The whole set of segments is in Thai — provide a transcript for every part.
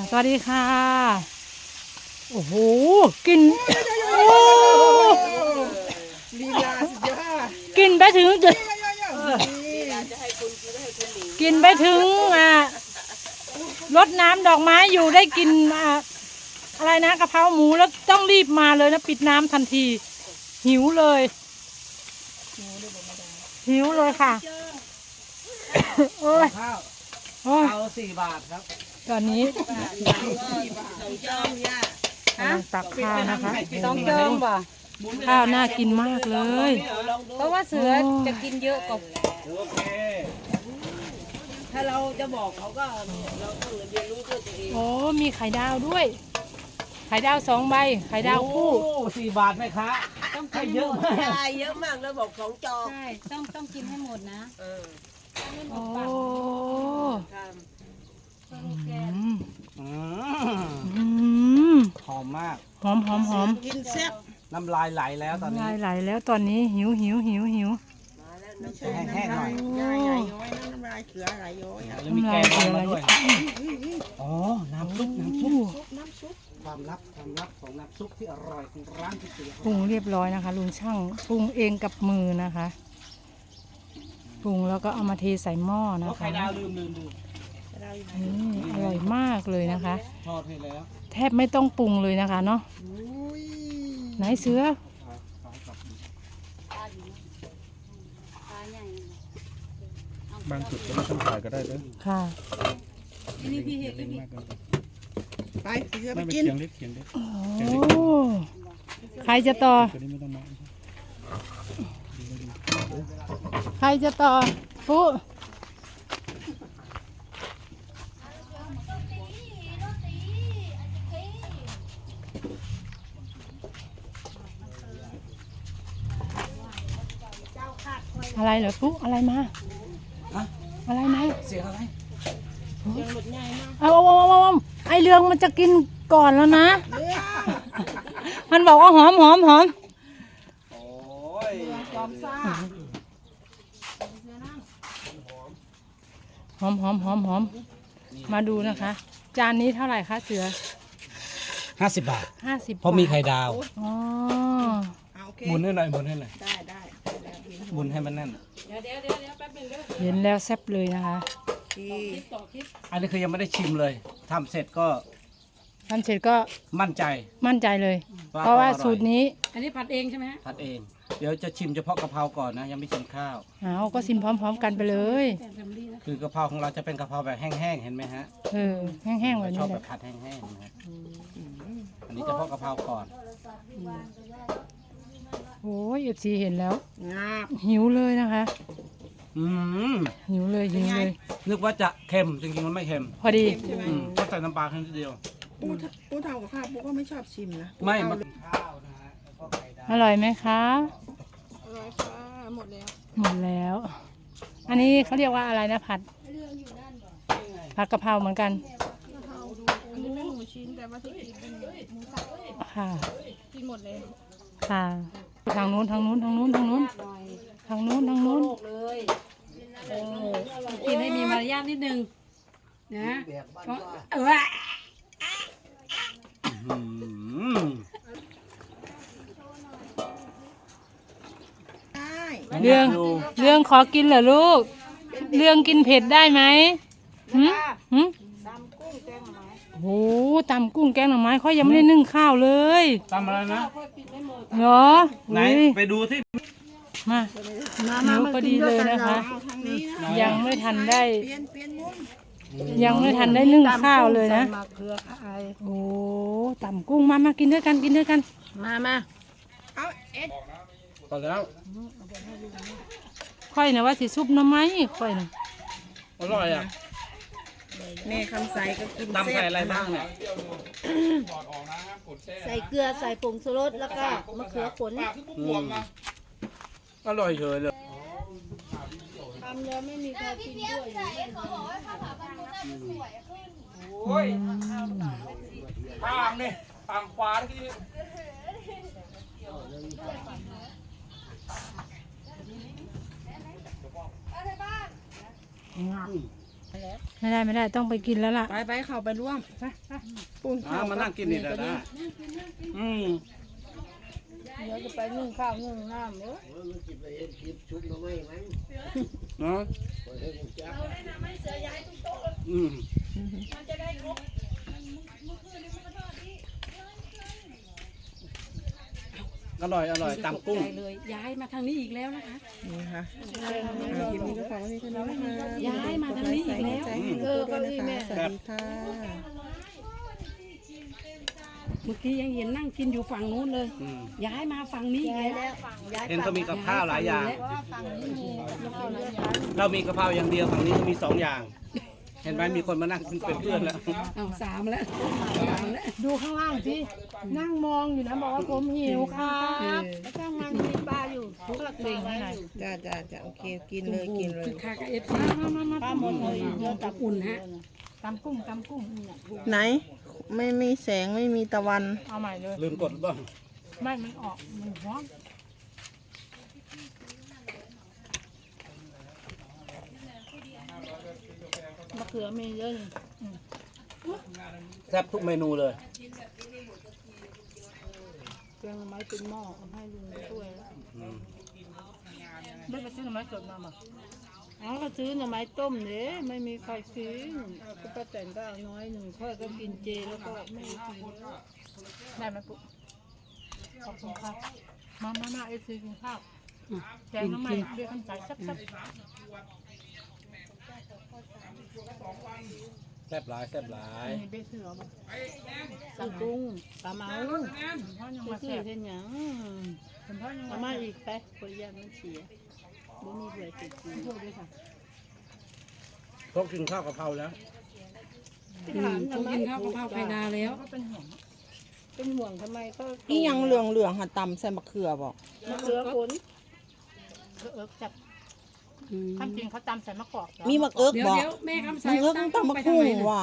สวัสดีค่ะโอ้โหกินลีลาสุดยอดกินไปถึงกินไปถึงรดน้ำดอกไม้อยู่ได้กินอะไรนะกะเพราหมูแล้วต้องรีบมาเลยนะปิดน้ำทันทีหิวเลยหิวเลยค่ะโอ้ยเอา4 บาทครับตอนนี้ตักข้าวนะคะต้องเจิมป่ะข้าวน่ากินมากเลยเพราะว่าเสือจะกินเยอะกว่าโอเคถ้าเราจะบอกเขาก็เราต้องเรียนรู้ด้วยตัวเองโอ้มีไข่ดาวด้วยไข่ดาว2 ใบไข่ดาวคู่ 4 บาทไหมคะต้องกินเยอะมากใช่เยอะมากแล้วบอก2 จอใช่ต้องกินให้หมดนะโอ้หอมมากหอมกินแซ่บน้ำลายไหลแล้วตอนนี้น้ำลายไหลแล้วตอนนี้หิวแห้งๆหน่อยย้อยน้ำลายเขือไหลย้อยแล้วมีแกงมาด้วยอ๋อน้ำซุปความลับของน้ำซุปที่อร่อยของร้านก๋วยเตี๋ยวปรุงเรียบร้อยนะคะลุงช่างปรุงเองกับมือนะคะปรุงแล้วก็เอามาเทใส่หม้อนะคะไข่ดาวลืมอร่อยมากเลยนะคะทอดให้แล้วแทบไม่ต้องปรุงเลยนะคะเนาะไหนเสือบางจุดก็ไม่ต้องถ่ายก็ได้เลยค่ะนี่พี่เห็ดไปเสือไปกินเขียงเล็กโอ้ใครจะต่อใครจะต่อปุ๊อะไรเหรอปุ๊อะไรมาอะไรไหมเสียงอะไรเสียงหลุดง่ายมากเอาไอเรืองมันจะกินก่อนแล้วนะมันบอกว่าหอมโอ้ยจอมซ่าหอมมาดูนะคะจานนี้เท่าไหร่คะเสือ 50 บาท 50 เพราะมีไข่ดาวอ๋อบุญให้หน่อยได้บุญให้มันแน่นเดี๋ยวแป๊บนึงเด้อเห็นแล้วแซ่บเลยนะคะอันนี้คือยังไม่ได้ชิมเลยทำเสร็จก็มั่นใจเลยเพราะว่าสูตรนี้อันนี้ผัดเองใช่ไหมผัดเองเดี๋ยวจะชิมเฉพาะกะเพราก่อนนะยังไม่ชิมข้าวก็ชิมพร้อมๆกันไปเลยคือกะเพราของเราจะเป็นกะเพราแบบแห้งๆเห็นไหมฮะแห้งๆแบบนี้ชอบแบบผัดแห้งๆนะอันนี้เฉพาะกะเพราก่อนโอ้ยFCเห็นแล้วหิวเลยนะคะหิวเลยนึกว่าจะเค็มจริงๆมันไม่เค็มพอดีก็ใส่น้ำปลาแค่นิดเดียวปูทำกับข้าวปูก็ไม่ชอบชิมนะไม่มันอร่อยไหมคะอร่อยค่ะหมดแล้ว อันนี้เขาเรียกว่าอะไรนะผัดกะเพราเหมือนกันอันนี้เป็นหมูชิ้นแต่ว่าที่กินเป็นหมูสับค่ะกินหมดเลยค่ะทางนู้นเลยกินให้มีมารยาทนิดนึงนะเรื่องขอกินเหรอลูกเรื่องกินเผ็ดได้ไหมโอ้ตำกุ้งแกงหน่อไม้เขายังไม่ได้นึ่งข้าวเลยตำอะไรนะเหรอไหนไปดูที่มาพอดีเลยนะคะยังไม่ทันได้นึ่งข้าวเลยนะโอ้ตำกุ้งมากินด้วยกันมาเอาเอ็ดพอแล้วค่อยนะว่าสิซุปหน่อไม้ค่อยนะอร่อยอ่ะแม่คำใสก็กินตำใส่อะไรบ้างเนี่ยใส่เกลือใส่ผงชูรสแล้วก็มะเขือขนอร่อยเฉยเลยทำแล้วไม่มีใครกินด้วยโอ้ยข้างนี่ฝั่งขวาที่ไม่ได้ต้องไปกินแล้วล่ะไปเข้าไปร่วมปูนมานั่งกินนี่ได้เดี๋ยวจะไปนึ่งข้าวนึ่งน้ำเด้อเนาะอร่อยตำกุ้งใจเลยย้ายมาทางนี้อีกแล้วนะคะนี่ค่ะคลิปนี้ก็ขอให้มีเท่านี้นะคะย้ายมาทางนี้อีกแล้วใจให้ทุกคนด้วยนะคะสวัสดีค่ะเมื่อกี้ยังเห็นนั่งกินอยู่ฝั่งนู้นเลย ย้ายมาฝั่งนี้อีกแล้วเห็นเขามีกับข้าวหลายอย่าง เรามีกะเพราอย่างเดียวฝั่งนี้ก็มี2 อย่าง เห็นไหมมีคนมานั่งเป็นเพื่อนแล้วเอา3แล้ว3แล้วดูข้างล่างสินั่งมองอยู่นะบอกว่าผมหิวครับแล้วข้างมันมีปลาอยู่ทุกหลักเบ่งให้หน่อยจ้าโอเคกินเลยกินเลยคือคากับเอฟซีปลาหมดเลยเดี๋ยวตับอุ่นฮะตำกุ้งไหนไม่มีแสงไม่มีตะวันเอาใหม่เลยลืมกดบ้างไม่มันออกมันร้อนมะเขือมีเยอะแซ่บทุกเมนูเลยเครื่องไม้เป็นหม้อเอาให้ลุงช่วยไม่ไปซื้อหน่อไม้สดมาบ่เอาก็ซื้อหน่อไม้ต้มเด้ไม่มีใครซื้อก็ป้าแตนก็เอาน้อยหนึ่งค่อยก็กินเจแล้วก็ไม่กินได้ไหมปุ๊ขอบคุณครับมาเอฟซีกินข้าวแกงน้ำใหม่เรียกคำใจซับแซ่บหลายมีเบสเสือบ่ปลากุ้งปลาเมาพ่อยังไปมาซื้แซ่อบ เท่าหยังพ่อยังเอามามาอีกไปขอยามันเสียบ่มีเบื่อติดกินพูดด้วยค่ะพกกินข้าวกะเพราแล้วเขากินข้าวกะเพราไข่ดาวแล้วก็เป็นห่วงเป็นห่วงทำไมก็อีหยังเหลืองหาตำใส่มะเขือบอกมะเขือผลจับความจริงเขาตำใส่มะกอกมีมะเอิกเดี๋ยวบอกเดี๋ยวแม่คำใสมะเอิกต้องตำมะคุ้งว่ะ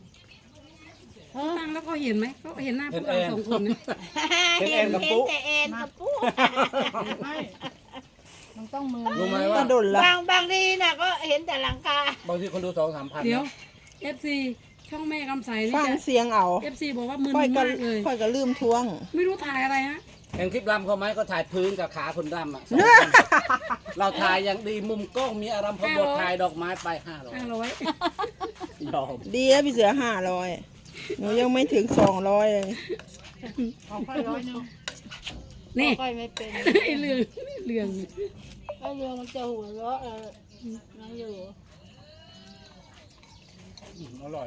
ตั้งแล้วเขาเห็นไหมเขาเห็นหน้าพวกเราสองคนนะเป็นแอนกับปุ๊แต่เอ็นกับปูไม่มันต้องมือรู้ไหมกว่าระโดดละบางทีน่ะก็เห็นแต่หลังคาบางทีคนดู2-3 พันเดี๋ยวเอฟซีช่องแม่คำใสนี่ฟังจะเสียงเอาเอฟซีบอกว่ามึนค่อยก็มากเลยค่อยก็ลืมทวงไม่รู้ถ่ายอะไรฮะเห็นคลิปรำเขาไหมก็ถ่ายพื้นกับขาคนรำอ่ะเราถ่ายอย่างดีมุมกล้องมีอารมณ์พบทถ่ายดอกไม้ไป500 500 ยอมดีนะพี่เสือ500หนูยังไม่ถึง200เลยของค่อย100 นี่ค่อยไม่เป็นไอ้เรื่องไอ้เรือมันจะหัวเราะนั่งอยู่อร่อย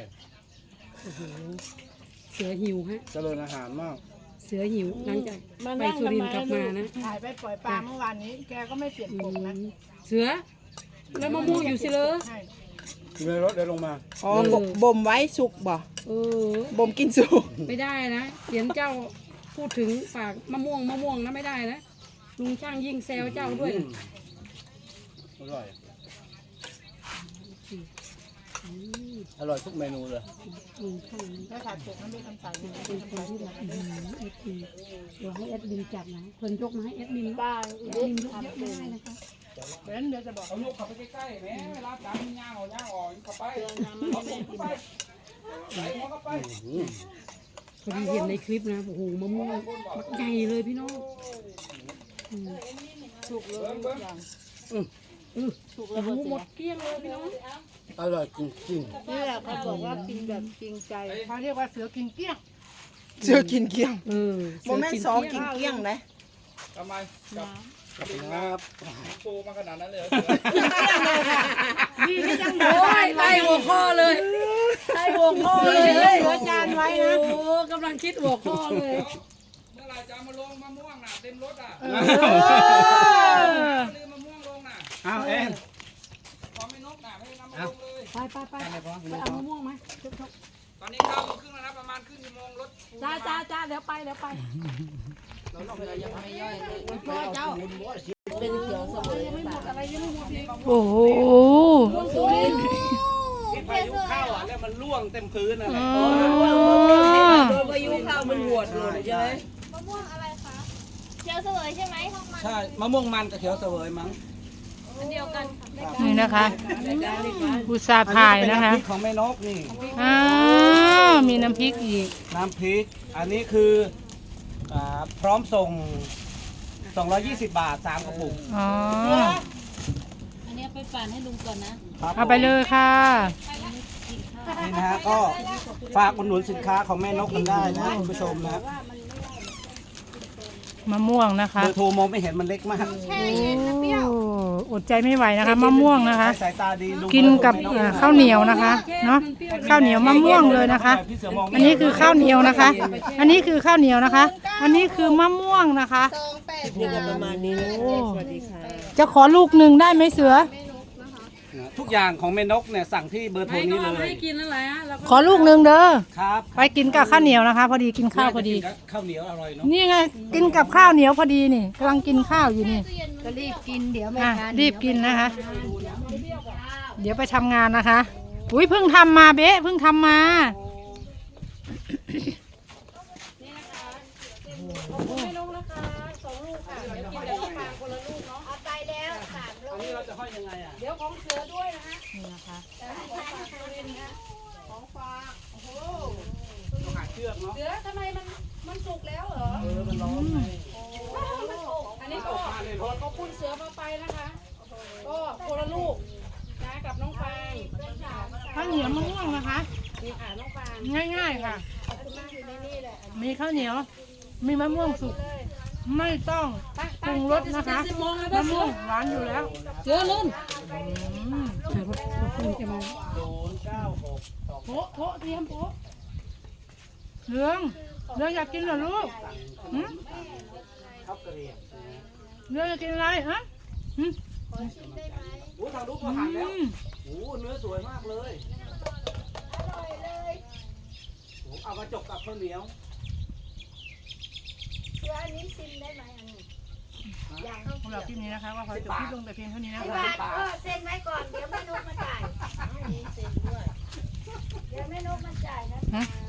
เสือหิวฮะเจริญอาหารมากเสือหิวหลังจากไปสุรินทร์กลับมานะถ่ายไปปล่อยปลาเมื่อวานนี้ แกก็ไม่เปลี่ยนปกนะเสือ แล้วมะม่วงอยู่สิเลยใช่อยู่ในรถเดินลงมาอ๋อบ่มไว้สุกบ่เออบ่มกินสุกไม่ได้นะเขียนเจ้าพูดถึงฝากมะม่วงนะไม่ได้นะลุงช่างยิ่งแซวเจ้าด้วยนะอร่อย อร่อยทุกเมนูเลยลุงช่างแล้วถ่ายปกนั้นไม่ทำใส่เป็นคนที่แบบเอฟซีเดี๋ยวให้แอดมินจับนะเพิ่นยกมาให้แอดมินป้าแอดมินยกเยอะไม่ได้นะคะเบนเดี๋ยวจะบอกเอาลูกขับไปใกล้ๆแม่เวลาจำย่างออกเข้าไปเรือน้ำมันไม่กินพอดีเห็นในคลิปนะโอ้โหมะม่วงมักใหญ่เลยพี่น้องถูกเลยทุกอย่างถูกโอ้แล้วโหหมหมดดเกลี้ยงเลยพี่น้องอร่อยจริงนี่แหละเขาบอกว่ากินแบบจริงใจเขาเรียกว่าเสือกินเกลี้ยงเสือกินเกลี้ยงเออบ่แม่นซอกินเกลี้ยงเลยๆทำไมครับ ปูมาขนาดนั้นเลยดีที่ยังโอ้ยไล่หัวข้อเลยไล่หัวข้อเลยเหลือจานไว้นะโอ้กำลังคิดหัวข้อเลยเมื่อไหรจะเอามาลงมะม่วงน่ะเต็มรถอ่ะลืมมะม่วงลงน่ะอ้าวแอนพอไม่นกน่ะไม่ได้นำมาลงเลยไปไปเอามะม่วงไหมตอนนี้9 โมงครึ่งแล้วนะประมาณครึ่งชั่วโมงรถจ้าเดี๋ยวไปพ่อเจ้าเป็นเขียวเสมอโอ้โหพายุเข้าอ่ะแล้วมันล่วงเต็มพื้นอะไรโดนพายุเข้ามันหวดเลยใช่ไหมมะม่วงอะไรคะเขียวเสวยใช่ไหมทองมันใช่มะม่วงมันกับเขียวเสวยมั้งโอ้นี่นะคะอุตส่าห์ถ่ายนะคะอัเป็ำพริกของแม่นกนี่อ้าวมีน้ำพริกอีกน้ำพริก อันนี้คือพร้อมส่ง 220 บาท 3 กระปุกอ๋ออันนี้ไปปั่นให้ลุงก่อนนะครับเอาไปเลยค่ะนี่นะฮะก็ฝากอุดหนุนสินค้าของแม่นกกันได้นะคุณผู้ชมนะมะม่วงนะคะเบอร์โทรมองไม่เห็นมันเล็กมากโอ้อดใจไม่ไหวนะคะมะม่วงนะคะสายตาดีลุงกินกับข้าวเหนียวนะคะเนาะข้าวเหนียวมะม่วงเลยนะคะพี่เสือมองไม่อันนี้คือข้าวเหนียวนะคะ อันนี้คือข้าวเหนียวนะคะ อันนี้คือมะม่วงนะคะโอ้จะขอลูกหนึ่งได้ไหมเสือทุกอย่างของแม่นกเนี่ยสั่งที่เบอร์โทรนี้เลยให้กินนั่นแหละเราก็ขอลูกหนึ่งเด้อครับไปกินกับข้าวเหนียวนะคะ พอดีกินข้าวพอดีข้าวเหนียวอร่อยเนาะนี่ไงกินกับข้าวเหนียวพอดีนี่กำลังกินข้าวอยู่นี่ก็รีบกินเดี๋ยวไม่อ่ะทันรีบกินนะคะ เดี๋ยวไปทำงานนะคะอุ้ยเพิ่งทำมาเบ๊ะเพิ่งทำมาอันนี้เราจะห้อยยังไงอ่ะนี่นะคะต้องหาเชือกเนาะเสือทำไมมันสุกแล้วเหรอมันร้อนไงอันนี้ก็ขอบคุณเสือมาไปนะคะ ก็คนละลูกนะกับน้องฟางข้าวเหนียวมะม่วงนะคะนี่ค่ะน้องฟางง่ายๆค่ะ มีข้าวเหนียว มีมะม่วงสุก ไม่ต้องปรุงรสนะคะ 10 โมงแล้วมะนะเสืม่วองหวานอยู่แล้วเสือลุ่นเสือคงจะมา 096 โพะเตรียมโพะเรื่องอยากกินเหรอลูกหืมข้าวเกลียบเรื่องอยากกินอะไรฮะหืมโอ้ทางลูกก็หั่นแล้วโอ้เนื้อสวยมากเลยโอ้เอามาจกกับข้าวเหนียวสำหรับคลิปนี้นะคะว่าขอจบคลิปลงแต่เพียงเท่านี้นะคะเซ็นไว้ก่อน เดี๋ยวแม่นกมาจ่ายเดี๋ยวแม่นกมาจ่ายนะฮะค